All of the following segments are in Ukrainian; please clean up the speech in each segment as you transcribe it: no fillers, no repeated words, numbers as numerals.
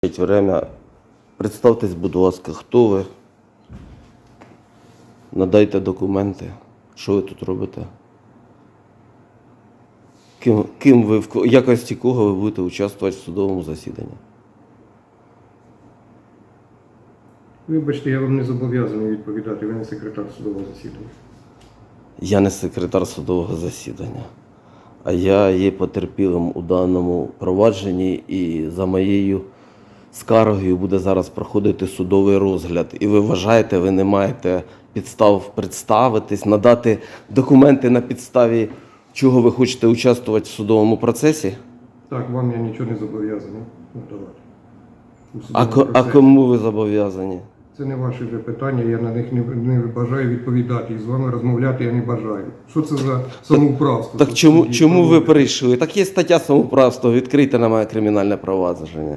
Время. Представтесь, будь ласка, хто ви? Надайте документи. Що ви тут робите? Ким ви, в якості кого ви будете участвувати в судовому засіданні? Вибачте, я вам не зобов'язаний відповідати, ви не секретар судового засідання. Я не секретар судового засідання, а я є потерпілим у даному провадженні і за моєю скаргою буде зараз проходити судовий розгляд. І ви вважаєте, ви не маєте підстав представитись, надати документи на підставі, чого ви хочете участвувати в судовому процесі? Так, вам я нічого не зобов'язаний надавати. А кому ви зобов'язані? Це не ваші вже питання, я на них не бажаю відповідати. І з вами розмовляти я не бажаю. Що це за самоуправство? Так чому ви прийшли? Так є стаття самоуправства, відкрийте на мене кримінальне провадження.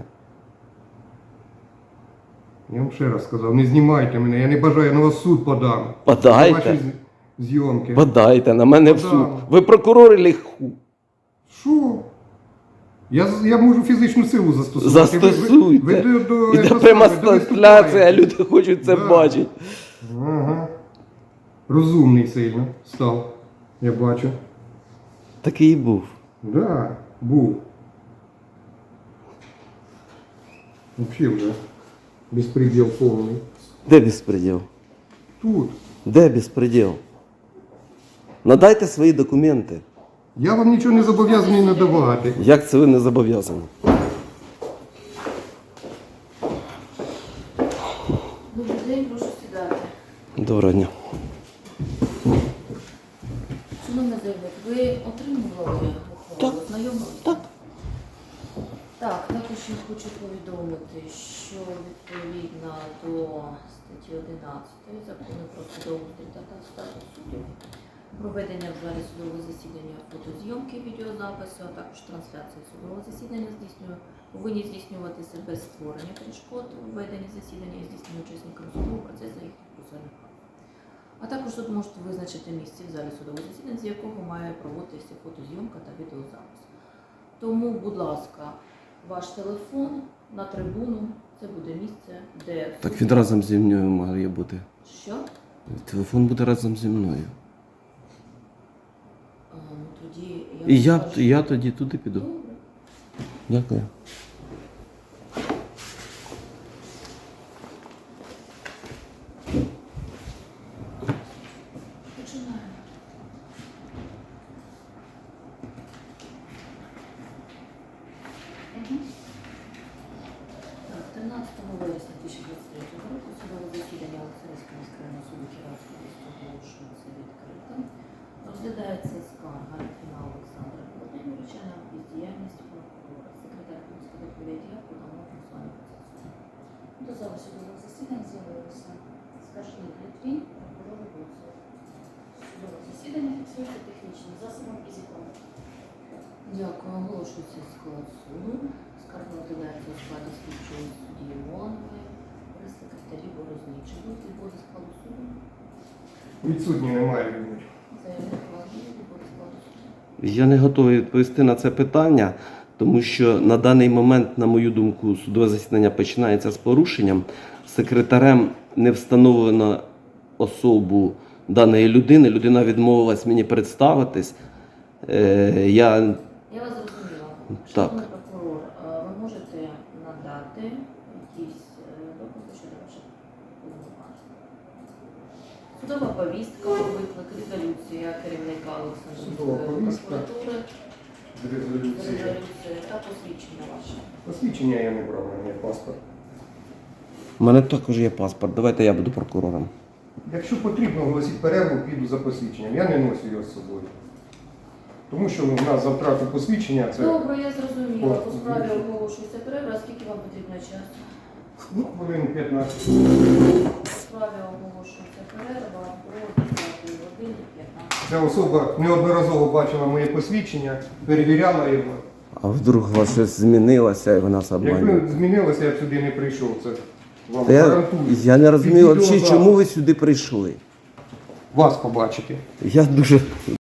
Я вам ще раз сказав, не знімайте мене, я не бажаю, я на вас в суд подам. Подайте. За ваші зйомки. Подайте на мене в суд. Ви прокурор чи ху? Що? Я можу фізичну силу застосувати. Застосуйте. Іде пряма трансляція, люди хочуть це бачити. Ага. Розумний сильно став, я бачу. Такий і був. Да, був. Взагалі вже безпреділ повний. Де безпреділ? Тут. Де безпреділ? Надайте свої документи. Я вам нічого не зобов'язаний надавати. Як це ви не зобов'язані? Добрий день, прошу сідати. Доброго дня. Шановна заявник, ви отримували ухвалу? Знайомилися? Так. Так, також я хочу повідомити, що відповідно до статті 11 Закону про судоустрій та статус суддів, проведення в залі судового засідання фотозйомки, відеозапису, а також трансляції судового засідання повинні здійснюватися без створення перешкод у веденні засідання і здійснення учасниками судового процесу їх процесуальних прав. А також суд може визначити місце в залі судового засідання, з якого має проводитися фотозйомка та відеозапис. Тому, будь ласка, ваш телефон на трибуну, це буде місце, де... Так він разом зі мною має бути. Що? Телефон буде разом зі мною. Тоді І я тоді туди піду. Добре. Дякую. Починаємо. Так, 13 вересня 2023 року судове засідання Олександрійського міськрайонного суду Кіровського міста оголошується відкритим. Розглядається скарга Літвіна Олександра Володимировича на бездіяльність прокурора. Секретар Київського доповідає по даному процесуальному процесу. До зали судового засідання з'явилися скаржник Літвін, прокурор Гуцул. Судове засідання фіксується технічним засобом і законом. Дякую. Оголошується склад суду. Скарга розглядається у складі слідчої судді Моланової, прес-секретарі Борозничі. Будуть відводи складу суду? Відсутні немає людей. Заявник владіє відводи складу суду. Я не готовий відповісти на це питання, тому що на даний момент, на мою думку, судове засідання починається з порушенням. Секретарем не встановлено особу даної людини. Людина відмовилась мені представитись. Я вас зрозуміла. Так. Шановний прокурор, ви можете надати якісь докази щодо ваших повноважень? Судова повістка, виклик, резолюція керівника Судова Олександрійської повістка. прокуратури, Резолюція. резолюція та посвідчення ваше. Посвідчення я не брав, у мене є паспорт. У мене також є паспорт. Давайте я буду прокурором. Якщо потрібно оголосити перерву, піду за посвідченням. Я не ношу його з собою. Тому що у нас за втрату посвідчення це Добре, я зрозуміла. По справі О, оголошується перерва. А скільки вам потрібно часу? хвилин 15. По справі оголошується перерва до 10 години 15. Ця особа неодноразово бачила моє посвідчення, перевіряла його. А вдруг у вас щось змінилося і ви нас обманюєте? Якби змінилося, я б сюди не прийшов. Це вам Я гарантую. не розумію, Під взагалі, чому ви сюди прийшли. Вас побачити. Я дуже